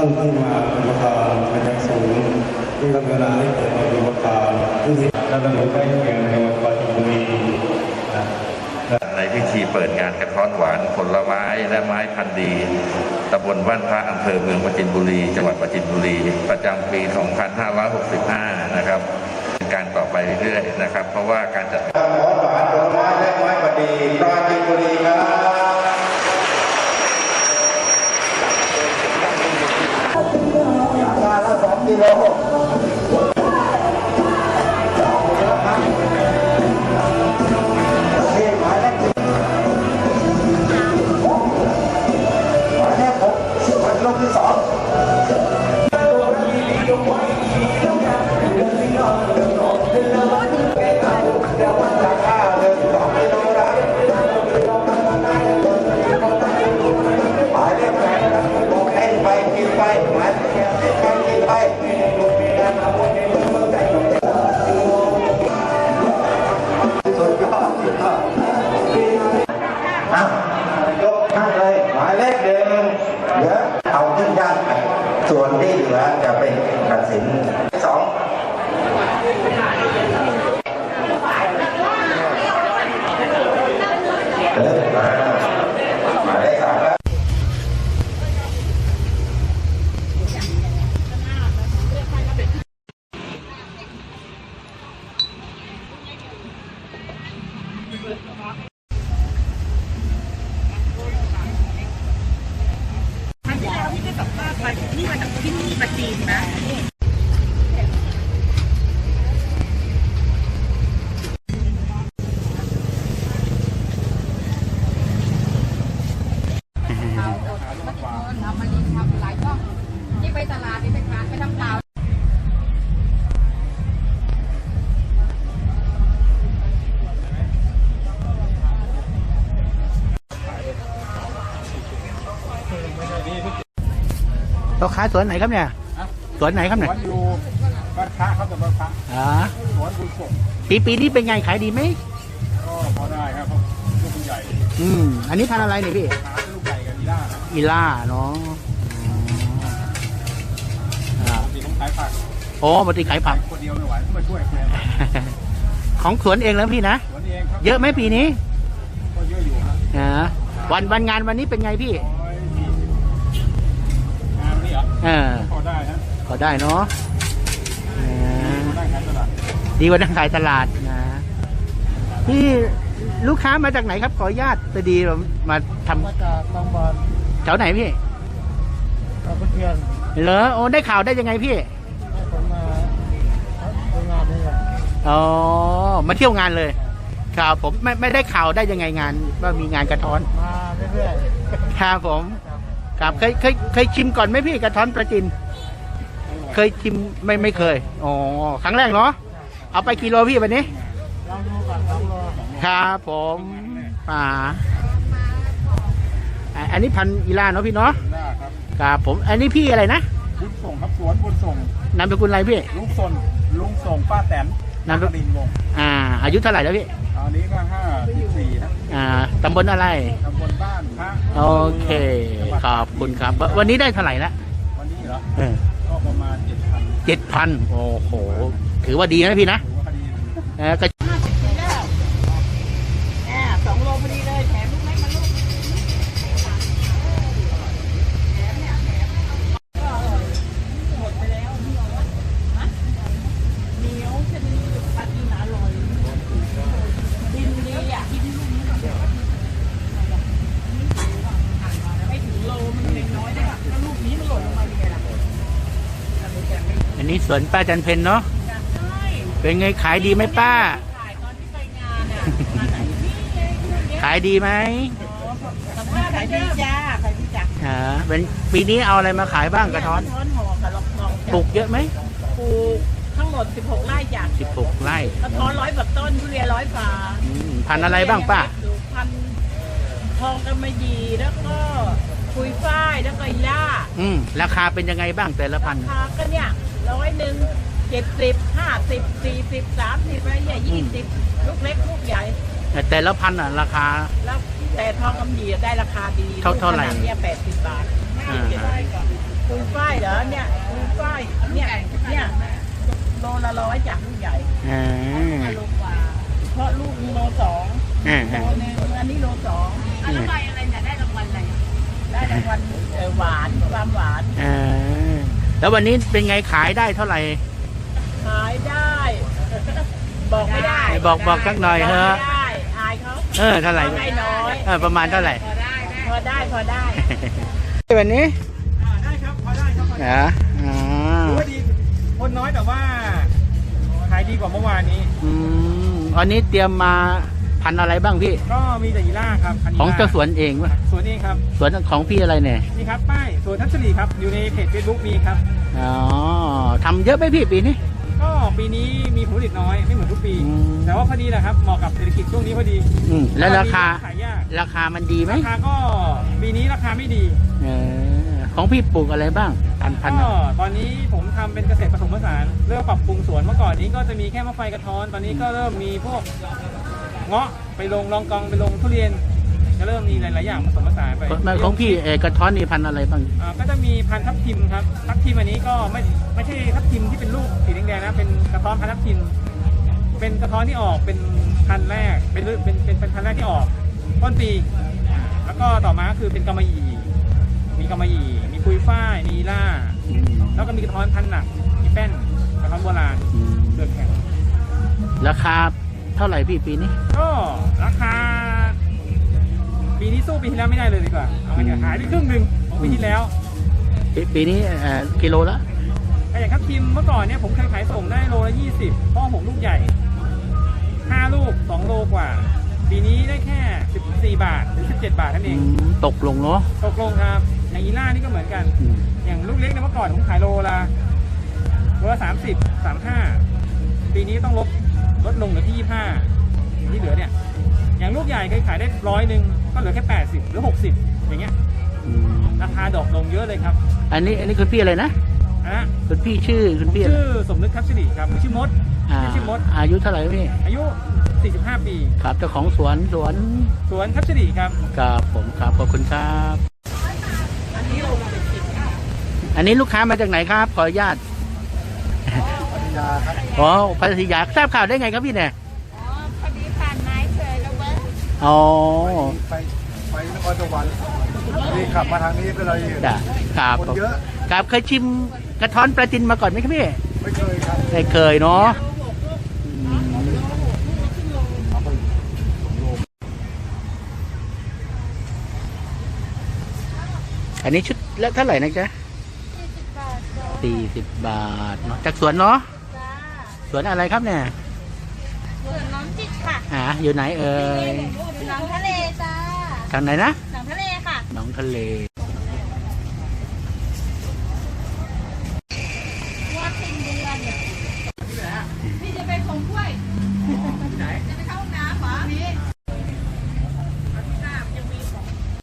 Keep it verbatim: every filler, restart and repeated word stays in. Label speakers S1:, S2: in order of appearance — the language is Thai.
S1: านที่มาเป็นประธานเป็นอย่างสูงที่ทำเวลาให้เกิดมาเป็นประธานที่และดำเนินการเพียงในวันปฏิบัติ
S2: ในพิธีเปิดงานกระท้อนหวานผลไม้และไม้พันธุ์ดีตำบลบ้านพระอำเภอเมืองปราจีนบุรีจังหวัดปราจีนบุรีประจำปี สองพันห้าร้อยหกสิบห้า นะครับเป็นการต่อไปเรื่อยๆนะครับเพราะว่าการจัด
S3: กระท้อนหวานผลไม้และไม้พันธุ์ดีปราจีนบุรีครับมาละสองกิโลที่สองหมายเลขแปดบอกให้ไปกินไปหมายเลขไปกินไปสุดยอดสุดยอดอ่ะยกให้เลยหมายเลขเดิมเดี๋ยวเอาขึ้นด้านส่วนที่เหลือจะเป็นตัดสินสองเดินมาหมายเลขสามแล้ว
S4: นี่มาจากที่นี่มาจีนนะเรามาลีทำหลายช่องนี่ไปตลาดนี่ไปขายไปทำเปล่า
S5: เราขายสวนไหนครับเนี่ยสวนไหนครับเนี่ย
S6: สวนอยู่บ้านพระครับแต่บ้านพระ
S5: อ๋อ
S6: สวนบุญส่ง
S5: ปีปีนี้เป็นไงขายดีไหม
S6: ก็พอได้ครับลูกใหญ่
S5: อืมอันนี้พันอะไรเนี่ยพี่
S6: ลูกใหญ่กับอีล่า
S5: อีล่าเนาะ
S6: ตีต้องขายผัก
S5: โอ้ปกติขายผัก
S6: คนเดียวไม่ไหวต้องมาช่วยแฟน
S5: ของสวนเองแล้วพี่นะ
S6: สวนเองครับ
S5: เยอะไหมปีนี้
S6: ก็เยอะอยู่ครับ
S5: อ่าวันวันงานวันนี้เป็นไงพี่
S6: งานนี้เหรอ
S5: เออ
S6: พอได้ฮะ
S5: พอได้เนาะดีกว่านั่งขายตลาดนะพี่ลูกค้ามาจากไหนครับขออนุญาตพอดีเรามาทำ
S6: มาจากบางบอน
S5: แถวไหนพี่
S6: บางขุนเทียน
S5: เหรอโอ้ได้ข่าวได้ยังไงพี่
S6: ผมมาทำงานนี่แหละ
S5: อ๋อมาเที่ยวงานเลยข่าวผมไม่ไม่ได้ข่าวได้ยังไงงานว่ามีงานกระท้อน
S6: มาเรื่อย
S5: ๆครับผมครับเคยเคยเคยชิมก่อนไหมพี่กระท้อนปราจีนเคยชิมไม่ไม่เคยอ๋อครั้งแรกเนาะเอาไปกิโลพี่วันนี้
S6: ลองดูก่อนลองดู
S5: ครับผมอ่าอันนี้พันอีล่าเนาะพี่เนาะครับผมอันนี้พี่อะไรนะ
S6: บุญส่งครับสวนบุญส่ง
S5: นามสกุลอะไรพี่
S6: ลุงส่งลุงส่งป้าแตน
S5: นามสกุลวงอ่าอายุเท่าไหร่แล้วพี่
S6: อันนี้ก็ห้าสิบสี่นะ
S5: อ่าตำบลอะไร
S6: ตำบลบ้านพระ
S5: โอเคขอบคุณครับวันนี้ได้เท่าไหร่ละ
S6: วันนี้เหรอ
S5: เออ
S6: ก็ประมาณเจ็ดพัน
S5: เจ็ดพันโอ้โหถือว่าดีนะพี่นะเออก็
S4: ห้าสิบปีแล้วแอบสองโลพอดีเลยแถมลูกเล็กมาลูกแถมเนี่ยแถมก็อร่อยหมดไปแล้วฮะเหนียวชนิดปลาจีนอร่อยดินดีอ่ะกินลูกนี้ก่อนไม่ถึงโลมันเล็กน้อยได้ป่ะแล้วลูกนี้มันหล่นลงมาเป็นไงล่ะ
S5: อันนี้สวนป้าจันเพ็ญเนาะเป็นไงขายดีไหมป้าขายดีไหม
S4: ขายดีจ้าขายดีจ้า
S5: อ่าเป็นปีนี้เอาอะไรมาขายบ้างกระท้อน
S4: กระท้อนห่อกับลองลอง
S5: ปลูกเยอะไหม
S4: ปลูกทั้งหมดสิบหกไร่จ้ะ
S5: สิบหกไร่
S4: กระท้อนร้อยแบบต้นทุเรียนร้อยฝา
S5: พันอะไรบ้างป้า
S4: พันทองกำมะหยี่แล้วก็คุยฝ้ายแล้วก็ย่า
S5: อืมราคาเป็นยังไงบ้างแต่ละพัน
S4: ราคาก็เนี่ยร้อยหนึ่งเจ็ดสิบห้าสิบสี่สิบสามสิบอะไรเนี่ยยี่สิบลูกเล็กลูกใหญ่
S5: แต่ละพันอ่ะราคา
S4: แล้วแต่ทองคำหยี่ได้ราคาดี
S5: เท่าเท่าไหร่
S4: เนี่ยแปดสิบบาทคุยฝ้ายโลละร้อยจากลูกใหญ่
S5: อ่า
S4: โลกว่าเพราะลูกโลสอง
S5: อ่า
S4: โล
S5: อ่า
S4: นึงอันนี้โลสอง
S5: อ่า
S4: แล้วใบอะไรเนี่ยได้รางวัลอะไรได้รางวัลเอ่อหวานความหวาน
S5: อ่าแล้ววันนี้เป็นไงขายได้เท่าไหร่
S4: ขายได้ บอกไม่ได้
S5: บอกบอกสักหน่อยเถอะ
S4: บอกไม่ได้อายเขา
S5: เออเท่าไหร่
S4: ไม่น้อย
S5: เออประมาณเท่าไหร่
S4: พอได้พอได้
S5: วันนี้
S6: ได้ครับพอได้ครับพอได้
S5: อ่าอ่า
S6: ถือว่าดีคนน้อยแต่ว่าขายดีกว่าเมื่อวานนี้
S5: อืมวันนี้เตรียมมาพันธุ์อะไรบ้างพี่
S6: ก็มีแต่ยีล่าครับนนี้
S5: ของเจ้าสวนเองวะ
S6: สวนเองครับ
S5: สวนของพี่อะไรเนี่ย
S6: นี่ครับป้ายสวนทัศนีครับอยู่ในเพจเฟซบุ๊กมีครับ
S5: อ๋อทำเยอะไหมพี่ปีนี้
S6: ก็ปีนี้มีผลผลิตน้อยไม่เหมือนทุกปี
S5: อืม
S6: แต่ว่าพอดีแหละครับเหมาะกับเศรษฐกิจช่วงนี้พอดี
S5: อืมแล้วราคา
S6: ขายยาก
S5: ราคามันดีไหม
S6: ราคาก็ปีนี้ราคาไม่ดี
S5: เออของพี่ปลูกอะไรบ้างพันพัน
S6: ก็ตอนนี้ผมทำเป็นเกษตรผสมผสานเริ่มปรับปรุงสวนเมื่อก่อนนี้ก็จะมีแค่มะไฟกระท้อนตอนนี้ก็เริ่มมีพวกเงาะไปลงรองกองไปลงทุเรียนจะเริ่มมีหลายๆอย่างผสมผสานไป
S5: ของพี่เออกระท้อนนี่พันธุ์อะไรบ้าง
S6: อ่าก็จะมีพันธุ์ทับทิมครับทับทิมอันนี้ก็ไม่ไม่ใช่ทับทิมที่เป็นลูกสีแดงๆนะเป็นกระท้อนพันธุ์ทับทิมเป็นกระท้อนที่ออกเป็นพันธุ์แรกเป็นฤเป็นเป็นเป็นพันธุ์แรกที่ออกต้นปี แล้วก็ต่อมาก็คือเป็นกำมะหยี่มีกำมะหยี่มีปุยฝ้ายมีล่า
S5: อืม
S6: แล้วก็มีกระท้อนพันธุ์หนักมีแป้นกระท้อนโบราณ
S5: อืม
S6: เลือกแข็ง
S5: ราคาเท่าไหร่พี่ปีนี้
S6: ก็ราคาปีนี้สู้ปีที่แล้วไม่ได้เลยดีกว่าเอาไปเถอะหายไปครึ่งหนึ่งของปีที่แล้ว
S5: ปีปีนี้เอ่อกิโลละ
S6: แต่อย่างครับทีมเมื่อก่อนเนี่ยผมเคยขายส่งได้โลละยี่สิบเพราะผมลูกใหญ่ห้าลูกสองโลกว่า ปีนี้ได้แค่สิบสี่บาทถึงสิบเจ็ดบาทนั่นเอ
S5: อื
S6: ง
S5: มตกลงเนาะ
S6: ตกลงครับอย่างอีล่านี่ก็เหมือนกัน
S5: อืม
S6: อย่างลูกเล็กเนี่ยเมื่อก่อนผมขายโลละโลละสามสิบสามห้าปีนี้ต้องลดลดลงเหลือที่ยี่ห้าที่เหลือเนี่ยอย่างลูกใหญ่เคยขายได้ร้อยหนึ่งก็เหลือแค่แปดสิบหรือหกสิบอย่างเงี้ย
S5: อืม
S6: ราคาดรอปลงเยอะเลยครับ
S5: อันนี้อันนี้คุณพี่อะไรนะ
S6: อันนะ
S5: คุณพี่ชื่อคุณพี่อะไร
S6: ชื่อสมนึกทัพสิริครับชื่อมด
S5: อ่า
S6: ชื่อมด
S5: อายุเท่าไหร่พี่
S6: อายุสี่สิบห้าปี
S5: ครับเจ้าของสวนสวน
S6: สวนทัพสิริครับ
S5: กับผมครับขอบคุณครับ
S4: อันนี้โลละเป็นสิบ
S5: อันนี้ลูกค้ามาจากไหนครับขออนุญาตอ๋อพัทยาทราบข่าวได้ไงครับพี่เนี่ย
S4: อ๋อพอดีผ่านไม้เคยแล้วเบิ้ง
S5: อ๋อ
S7: ไปไปนครสวรรค์นี่ขับมาทางนี้ก็เลยเห็น
S5: จ้ะครับ
S7: คนเยอะ
S5: ครับเคยชิมกระท้อนปลาจินมาก่อนไหมครับพี่
S7: ไม่เคยครับ
S5: ไม่เคยเนาะอืมอันนี้ชุดละเท่าไหร่นะจ๊ะสี่สิบบาทเนาะจากสวนเนาะ
S8: จ้า
S5: สวนอะไรครับเนี่ย
S8: สวนน้องจิตค่ะ
S5: อ่าอยู่ไหนเอ่ย
S8: หนองทะเลจ้า
S5: ทางไหนนะ
S8: หนองทะเลค่ะ
S5: หนองทะเล